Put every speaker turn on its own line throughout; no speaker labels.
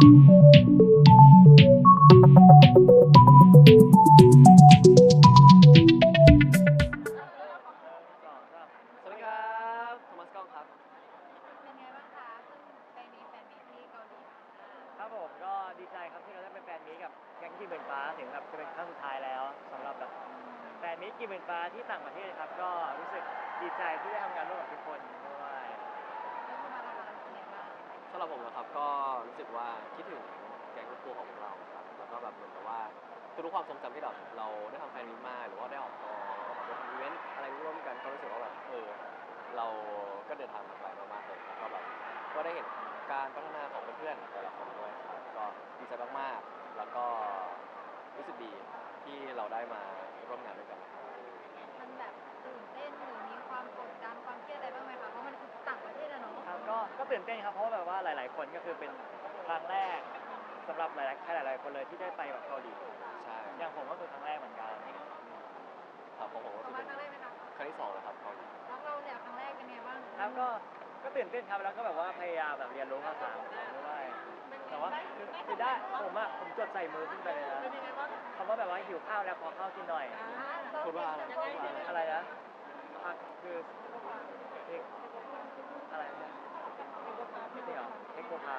สวัสดีครับโทมัสกล้องครับ
เป็นไงบ้างคะเพิ่งไปมีแฟนมีตที่เกาหลีมา
ครับผมก็ดีใจครับที่เราได้เป็นแฟนมีตกับแก๊งกี่หมื่นฟ้าถึงแบบจะเป็นครั้งสุดท้ายแล้วสำหรับแบบแฟนมีตกี่หมื่นฟ้าที่ต่างประเทศครับก็รู้สึกดีใจที่ได้ทำงานร่วมกับทุกคนด้วย
แล้วก็มาละคะเป็นไงบ้าง
สำหรับผมนะครับก็รู้สึกว่าคิดถึงแก๊งตัวของเราครับแล้วก็แบบเหมือนกับว่าทุกๆความทรงจำที่แบบเราได้ทำแฟนมิตมาหรือว่าได้ออกกองแล้วก็แบบได้ทำอีเวนต์อะไรร่วมกันก็รู้สึกว่าแบบเราก็เดินทางมาไกลมากๆเลยแล้วก็แบบก็ได้เห็นการพัฒนาของเพื่อนๆแต่ละคนด้วยครับก็ดีใจมากๆแล้วก็รู้สึกดีที่เราได้มาร่วมงานด้วยกันนะครับ
มันแบบตื่นเต้นหรือมีความกดดันความเครียดอะไรบ้างไหมคะเพราะมันคือต่างประเทศอะเนาะ
ครับก็ตื่นเต้นครับเพราะว่าแบบว่าหลายๆคนก็คือเป็นครั้งแรกสำหรับหลายๆคนเลยที่ได้ไปแบบเกาหลี
ใช่
อย่างผมก็คือครั้งแรกเหมือนกัน
ครับของผมก็
ประ
คือเป็น
มาณครั้งแรกไหมคะ
ครั้งที่สองแล้วครับเกาหลี
แล้วเราเนี่ยครั้งแรกเป็นไงบ้าง
ครับก็ตื่นเต้นครับแล้วก็แบบว่าพยายามแบบเรียนรู้ภาษาของเขาด้วยแต่ว่าคือได้ผมจดใส่มือขึ้นไปเลยนะ
เป็นยังไงบ้าง
คำว่าแบบว่าหิวข้าวแล้วขอข้าวกินหน่อย
พูดว่าอะไร
ยังไง
อะไรนะคือเทคอะไรเนี่ยไม่ใช่เหรอเทคโกพา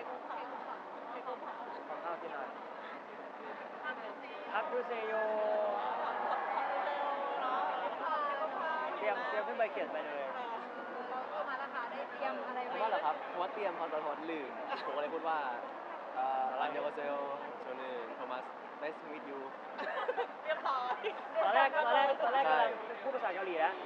ขอข้าวกินหน่อยฮักยูเซโยเตรียมขึ้นไปเขียนไปเลย
เรามาละคะได้เตรียมอะไรไว้
ผมว่าเหรอครับเพราะว่าเตรียมพอตอนลืมผมก็เลยพูดว่าอันเดอร์เซลโชนึโทมัส nice to meet you
เรียบร้อย
ตอนแรกกำลัง
ใช่
พูดภาษาเกาหลีนะ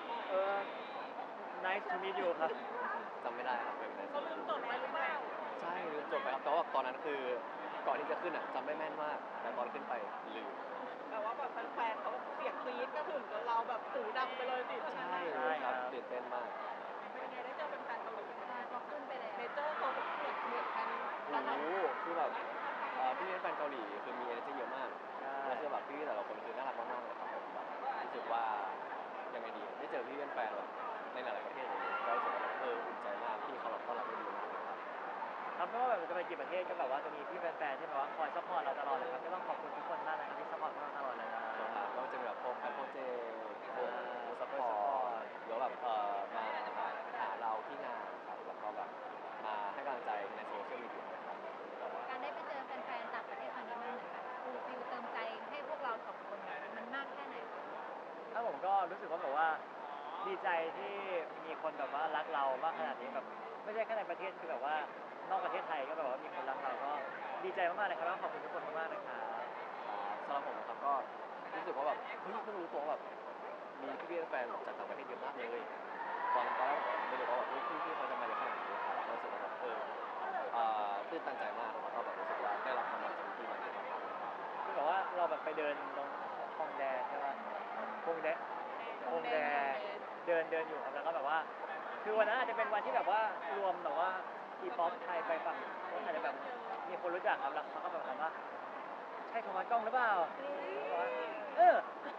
nice to meet you ครับ
จำไม่ได้ครับเป็น nice to
เขา
meet
ลืม
you
จดไว้หรือเปล่า
ใช่ลืมจดไปครับแต่ว่าตอนนั้นคือก่อนที่จะขึ้นอ่ะจำได้แม่นมากแต่ตอนขึ้นไปลืม
แต่ว่าแบบแฟนๆเขาเสียงกรี๊ดก็ถึงจนเราแบบหูดังไปเลยสิ
ใช่เลยครับตื่นเต้นมาก
เป็นไงได้เจอแฟนๆเกาหลีใช่พอขึ้นไปแล้วเนเจอร์เขาเหมือนกัน
โอ้โหคือแบบพี่เป็นแฟนเกาหลีคือมี energy เยอะมากแล้วคือแบบพี่แต่ละคนคือน่ารักมากๆเลยครับผมแบบรู้สึกว่ายังไงดีได้เจอพี่เป็นแฟนแบบในหลายๆประเทศเลยก็รู้สึกว่าแบบอุ่นใจมากพี่เขาแบบต้อนรับได้ดีมากเลยครับ
ครับไม่ว่าแบบจะไปกี่ประเทศก็แบบว่าจะมีพี่แฟนๆที่แบบว่าคอยซัพพอร์ตเราตลอดเลยครับก็ต้องขอบคุณทุกคนมากนะครับที่ซัพพอร์ตพวกเราตลอดเลยนะ
นะครับก็จะมีแบบพวกแฟนโปรเจกต์พวกซัพพอร์ตหรือแบบมาหาเราที่งานครับแล้วก็แบบมาให้กำลังใจในโซเชียลมีเดียครับ
การได้ไปเจอแฟนๆต่างประเทศครั้งนี้มันเหมือนแบบฟูลฟิลเติมใจให้พวกเราสองคนมันมากแค่ไหนคะ
ถ้าผมก็รู้สึกว่าแบบว่าดีใจที่มีคนแบบว่ารักเรามากขนาดนี้แบบไม่ใช่แค่ในประเทศคือแบบว่านอกประเทศไทยก็แบบว่ามีคนรักเราก็ดีใจมากๆเลยครับแล้วขอบคุณทุกคนมากๆนะครับ
สำหรับผมนะครับก็รู้สึกว่าแบบเฮ้ยเพิ่งรู้ตัวว่าแบบมีพี่ๆแฟนจากต่างประเทศเยอะมากเลยตอนแรกผมไม่รู้ว่าแบบพี่เขาจะมาเยอะขนาดนี้ครับรู้สึกว่าแบบตื่นตันใจมากแล้วก็แบบรู้สึกว่าได้รับความรักจากพี่ๆมาเยอะมาก
คือแบบว่าเราแบบไปเดินตรงฮงแดใช่ป่ะฮงแดฮงแดเดินอยู่ครับแล้วก็แบบว่าคือวันนั้นอาจจะเป็นวันที่แบบว่ารวมแบบว่าทีป๊อปไทยไปฝั่งก็อาจจะแบบมีคนรู้จักครับแล้วเขาก็แบบถามว่าใช่โทมัสกล้องหรือเปล่าบอกว่าเออ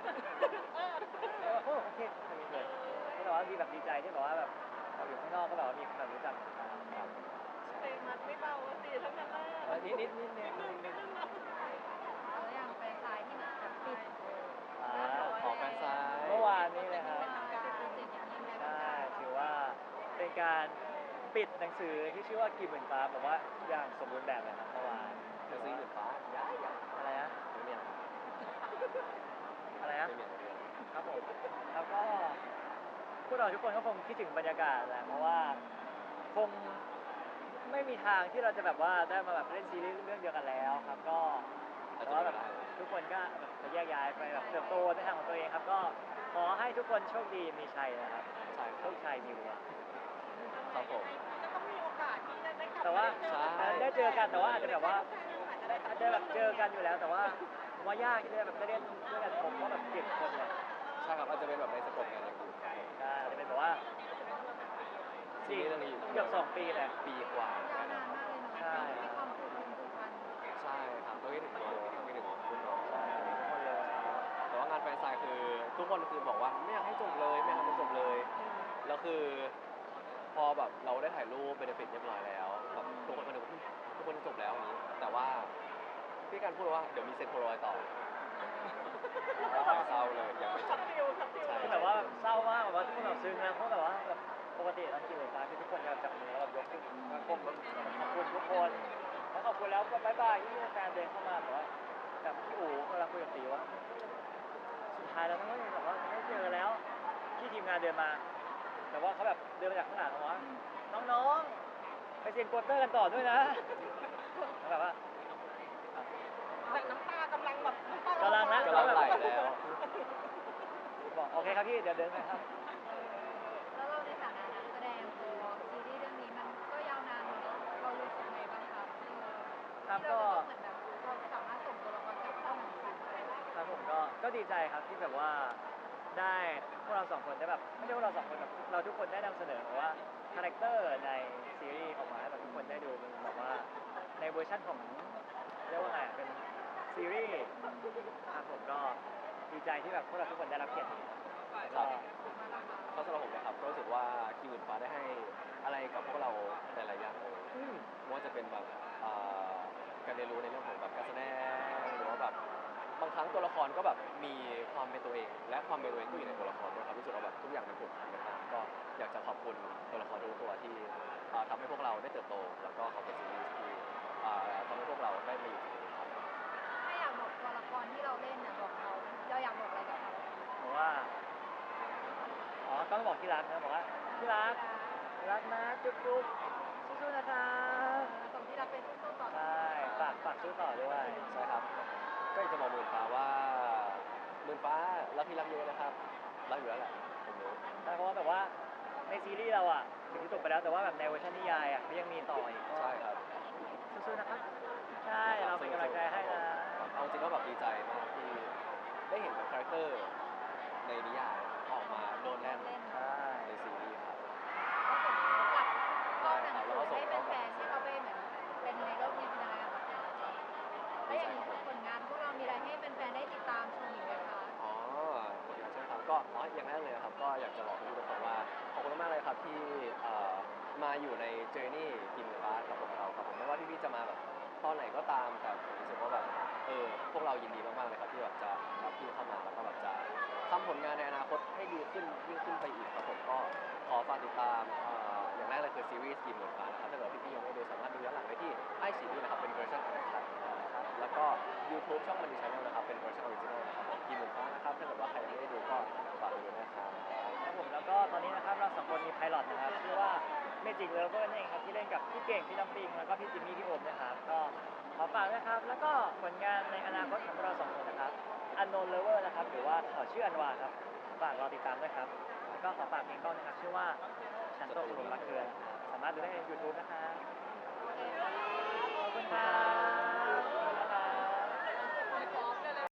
โอเคทำนี้เลยก็แบบว่าดีแบบดีใจที่แบบว่าแบบเราอยู่ข้างนอกก็แบบว่ามีคนแบบรู้จักครับ
เพลงมันไม่เบาสิทั้งนั้นแหละ
นิด
แล้วอย่างแฟนไซน์ที่มันปิด
ขอแฟนไซน์
เมื่อวานนี้เลยครับ
ปิดโปรเจกต์อย่างนี้ไงบ้าง
ใช่ถือว่าเป็นการปิดหนังสือที่ชื่อว่ากี่หมื่นฟ้าแบบว่าอย่างสมบูรณ์แบบเลยครับเมื่อวาน
หนังสือหมื่นฟ้าย้าย
อะไรนะ
ไม่เมียน
อะไรนะ
ไม่เมียนไม่เมียน
ครับผมแล้วก็พวกเราทุกคนก็คงคิดถึงบรรยากาศแหละเพราะว่าคงไม่มีทางที่เราจะแบบว่าได้มาแบบเล่นซีรีส์เรื่องเดียวกันแล้วครับก็แต่ว่าแบบทุกคนก็จะแยกย้ายไปแบบเติบโตในทางของตัวเองครับก็ขอให้ทุกคนโชคดีมีชัยนะครับ
ใช่ค
โช
รับ
คชัยมีวัว
ครับผม
ก็ต้องมีโอกาสที่จะได้กลับ
แต่ว่า ได้เจอกันแต่ว่าอาจจะแบบว่า
อา
อาจจะแบบเจอกันอยู่แล้วแต่ว่าผมว่ายากที่จะแบบได้เล่นด้วยกันครบเพราะแบบ7 คนเนี่ย
ใช่ครับอาจจะเป็นแบบในสกปงานอย่างอื่นครับผม
ใช่อาจจะเป็นแบบว่าจริง
ซีรีส์เรื่องนี้อยู่
เกือบ2 ปีเลย
ปีกว่า
ยาวนานมากเลยเนาะ
ใช่
มีความผูกพัน
ใช่ครับต้องคิดถึงน้องคิดถึงคุณน้อง
ใช่ทุกคนเลย
แต่ว่างานแฟนไซน์คือทุกคนคือบอกว่าไม่อยากให้จบเลยไม่อยากให้มันจบเลยแล้วคือพอแบบเราได้ถ่ายรูปเบนฟิตเรียบร้อยแล้วแบบทุกคนมาดูว่าทุกคนจะจบแล้วอย่างนี้พี่การพูดว่าเดี๋ยวมีเซ็นโพลารอยด์ต่อเศร้าเลยยังไม่จบใช่
คือแบบว่าเศร้ามากแบบว่าทุกคนแบบซึ้งนะเพราะแบบว่าแบบปกติตอนกินหมูฟ้าคือทุกคนจะแบบจับมือแล้วแบบยกขึ้นมาก้มแบบขอบคุณทุกคนแล้วขอบคุณแล้วก็บายบายที่แฟนเดินเข้ามาแบบว่าแบบพี่อู๋กำลังคุยกับตีว่าสุดท้ายแล้วไม่แบบว่าไม่เจอแล้วที่ทีมงานเดินมาแต่ว่าเขาแบบเดินมาจากข้างหลังว่าน้องๆไปเซ็นโควอเตอร์กันต่อด้วยนะแล้วแบบว่า
แต่น้ำตากำลังแบบน้ำตาก
ำลังนะ
กำลังไหลแล้ว
บอกโอเคครับพี่เดี๋ยวเดินไปครับ
แล้วเราในฐานะนักแสดงพอซีรีส์เรื่องนี้มันก็ยาวนานเนอะเรารู้สึกไงบ้างครับที่
ครับ
เรา
ก็
จะต้องเหมือนแบบเราสามารถส่งตัวละครกลับเข้าหนังสือได้
ครับผมก็ดีใจครับที่แบบว่าได้พวกเราสองคนได้แบบไม่ใช่พวกเราสองคนแบบเราทุกคนได้นำเสนอแบบว่าคาแรคเตอร์ในซีรีส์ออกมาให้แบบทุกคนได้ดูมันแบบว่าในเวอร์ชันของเรียกว่าไงเป็นซีรีส์ครับผมก็ดีใจที่แบบพวกเราทุกคนได้รับเกียรตินี้แล้วก็
ก็สำหรับผมนะครับก็รู้สึกว่าคิวอื่นฟ้าได้ให้อะไรกับพวกเราหลายๆอย่างเลยไม่ว่าจะเป็นแบบการเรียนรู้ในเรื่องของแบบการแสดงหรือว่าแบบบางครั้งตัวละครก็แบบมีความเป็นตัวเอง และความเป็นตัวเองก็อยู่ในตัวละครด้วยครับรู้สึกว่าแบบทุกอย่างมันผูกพันกันมากก็อยากจะขอบคุณตัวละครทุกตัวที่ทำให้พวกเราได้เติบโต แล้วก็ขอบคุณซีรีส์ที่ทำให้พวกเราได้มาอยู่ที่นี่ครับ
ถ้าอยากบอกตัวละครที่เราเล่นเนี่ยบอกเราอยากบอกอะไรกับเขา
บอกว่าอ๋อต้องบอกที่รักนะบอกว่าที่รักรักนะจุ๊บจุ๊บสู้ๆนะครับ
ส่งที่รักเป็นสู้ๆต่อ
ใช่ฝากสู้ต่อด้วย
ใช่ครับ ก็อยากจะบอกหมื่นฟ้าว่าหมื่นฟ้ารักพี่รักเยอะนะครับรักอยู่แล้วแหละผมรู้
ใช่เพราะว่าแบบว่าในซีรีส์เราอ่ะถึงที่จบไปแล้วแต่ว่าแบบในเวอร์ชันนิยายอ่ะเขายังมีต่ออีกก็
ใช่ครับ
สู้ๆนะครับใช่เราเป็นกำลังใจให้นะ
เอาจริงก็แบบดีใจมากที่ได้เห็นแบบคาแรคเตอร์ในนิยายออกมาโดนแน่น
เล่น
ใช่
ในซีรีส์ครับ
ก็ส่งเขากลับเข้าหนังสือให้แฟนๆที่เขาไปเหมือนเป็นในโลกจินตนาการของเราแล้วอย่างผลงานพวกเรามีอะไรให้แฟนๆได้ติดตามชมอีกไหมคะ
อ๋อผลงานใช่ไหมครับก็อย่างแรกเลยครับก็อยากจะบอกทุกคนว่าขอบคุณมากเลยครับที่มาอยู่ในเจอร์นี่กินฟ้ากับพวกเราครับผมไม่ว่าพี่ๆจะมาแบบตอนไหนก็ตามแต่ผมรู้สึกว่าแบบพวกเรายินดีมากๆเลยครับที่แบบจะรับพี่เข้ามาแล้วก็แบบจะทำผลงานในอนาคตให้ดีขึ้นยิ่งขึ้นไปอีกครับผมก็ขอฝากติดตามอย่างแรกเลยคือซีรีส์กินฟ้านะครับถ้าเกิดพี่ๆยังไม่ดูสามารถดูย้อนหลังได้ที่ไอซีดีนะครับเป็นเวอร์ชันอันคัดนะครับแล้วก็ YouTube ช่องมันดีชาแนลนะครับเป็นเวอร์ชันออริจินอลนะครับผมกินฟ้านะครับถ้าเกิดว่าใครยังไม่ได้ดูก็ฝากดูนะครับ
ครับผมแล้วก็ตอนนี้นะครับเราสองคนมีไพลอตนะครับชื่อว่า Magic Lover นั่นเองครับที่เล่นกับพี่เก่งพี่น้ำปิงแล้วก็พี่จิมมี่พี่โอมนะครับก็ขอฝากนะครับแล้วก็ผลงานในอนาคตของเราสองคนนะครับ Unknown Lover นะครับหรือว่าขอชื่ออันวาครับฝากรอติดตามด้วยครับแล้วก็ขอฝากเพลงก้อนนะครับชื่อว่าฉันตกหลุมรักเธอนะครับสามารถดูได้ใน YouTube นะครับ